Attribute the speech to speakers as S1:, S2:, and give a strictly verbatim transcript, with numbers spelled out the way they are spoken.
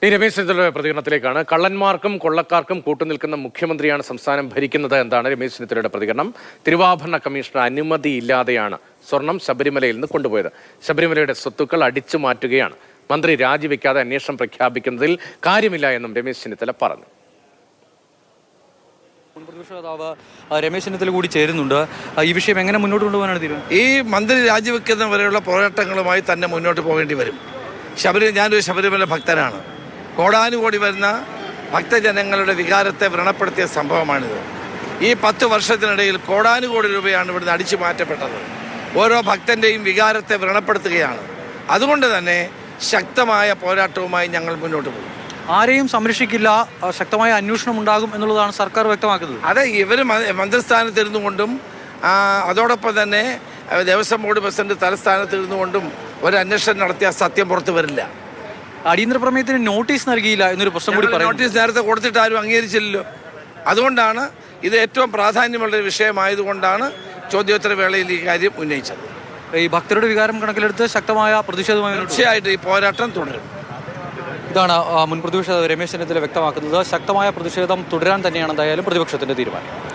S1: ഈ രമേശ് ചെന്നിത്തലയുടെ പ്രതികരണത്തിലേക്കാണ്. കള്ളന്മാർക്കും കൊള്ളക്കാർക്കും കൂട്ടുനിൽക്കുന്ന മുഖ്യമന്ത്രിയാണ് സംസ്ഥാനം ഭരിക്കുന്നത് എന്നാണ് രമേശ് ചെന്നിത്തലയുടെ പ്രതികരണം. തിരുവാഭരണ കമ്മീഷണർ അനുമതിയില്ലാതെയാണ് സ്വർണം ശബരിമലയിൽ നിന്ന് കൊണ്ടുപോയത്. ശബരിമലയുടെ സ്വത്തുക്കൾ അടിച്ചു മാറ്റുകയാണ്. മന്ത്രി രാജിവെക്കാതെ അന്വേഷണം പ്രഖ്യാപിക്കുന്നതിൽ കാര്യമില്ല എന്നും രമേശ് ചെന്നിത്തല പറഞ്ഞു.
S2: പ്രതിപക്ഷ നേതാവ് രമേശ് ചെന്നിത്തല കൂടി ചേരുന്നുണ്ട്. ഈ വിഷയം എങ്ങനെ മുന്നോട്ട് കൊണ്ടുപോകാനാണ് തീരുമാനം?
S3: ഈ മന്ത്രി രാജിവെക്കുന്നവരെയുള്ള പോരാട്ടങ്ങളുമായി തന്നെ മുന്നോട്ട് പോകേണ്ടി വരും. ശബരിമല ഞാനൊരു ശബരിമല ഭക്തനാണ്. കോടാനുകോടി വരുന്ന ഭക്തജനങ്ങളുടെ വികാരത്തെ വ്രണപ്പെടുത്തിയ സംഭവമാണിത്. ഈ പത്ത് വർഷത്തിനിടയിൽ കോടാനുകോടി രൂപയാണ് ഇവിടുന്ന് അടിച്ചു മാറ്റപ്പെട്ടത്. ഓരോ ഭക്തൻ്റെയും വികാരത്തെ വ്രണപ്പെടുത്തുകയാണ്. അതുകൊണ്ട് തന്നെ ശക്തമായ പോരാട്ടവുമായി ഞങ്ങൾ മുന്നോട്ട് പോകും.
S2: ആരെയും സംരക്ഷിക്കില്ല, ശക്തമായ അന്വേഷണം ഉണ്ടാകും എന്നുള്ളതാണ് സർക്കാർ വ്യക്തമാക്കുന്നത്.
S3: അതെ, ഇവർ മന്ത്രിസ്ഥാനത്തിരുന്നു കൊണ്ടും അതോടൊപ്പം തന്നെ ദേവസ്വം ബോർഡ് പ്രസിഡന്റ് തലസ്ഥാനത്തിരുന്നു കൊണ്ടും ഒരു അന്വേഷണം നടത്തിയ സത്യം പുറത്തു വരില്ല.
S2: അടിയന്തര പ്രമേയത്തിന് നോട്ടീസ് നൽകിയില്ല എന്നൊരു പ്രശ്നം കൂടി പറയും.
S3: നോട്ടീസ് നേരത്തെ കൊടുത്തിട്ട് ആരും അംഗീകരിച്ചില്ലല്ലോ. അതുകൊണ്ടാണ് ഇത് ഏറ്റവും പ്രാധാന്യമുള്ളൊരു വിഷയമായതുകൊണ്ടാണ് ചോദ്യോത്തര വേളയിൽ ഈ കാര്യം ഉന്നയിച്ചത്.
S2: ഈ ഭക്തരുടെ വികാരം കണക്കിലെടുത്ത് ശക്തമായ പ്രതിഷേധമായി
S3: തീർച്ചയായിട്ടും ഈ പോരാട്ടം തുടരും.
S2: ഇതാണ് മുൻ പ്രതിപക്ഷ രമേശ് ചെന്നിത്തല വ്യക്തമാക്കുന്നത്. ശക്തമായ പ്രതിഷേധം തുടരാൻ തന്നെയാണ് എന്തായാലും പ്രതിപക്ഷത്തിന്റെ തീരുമാനം.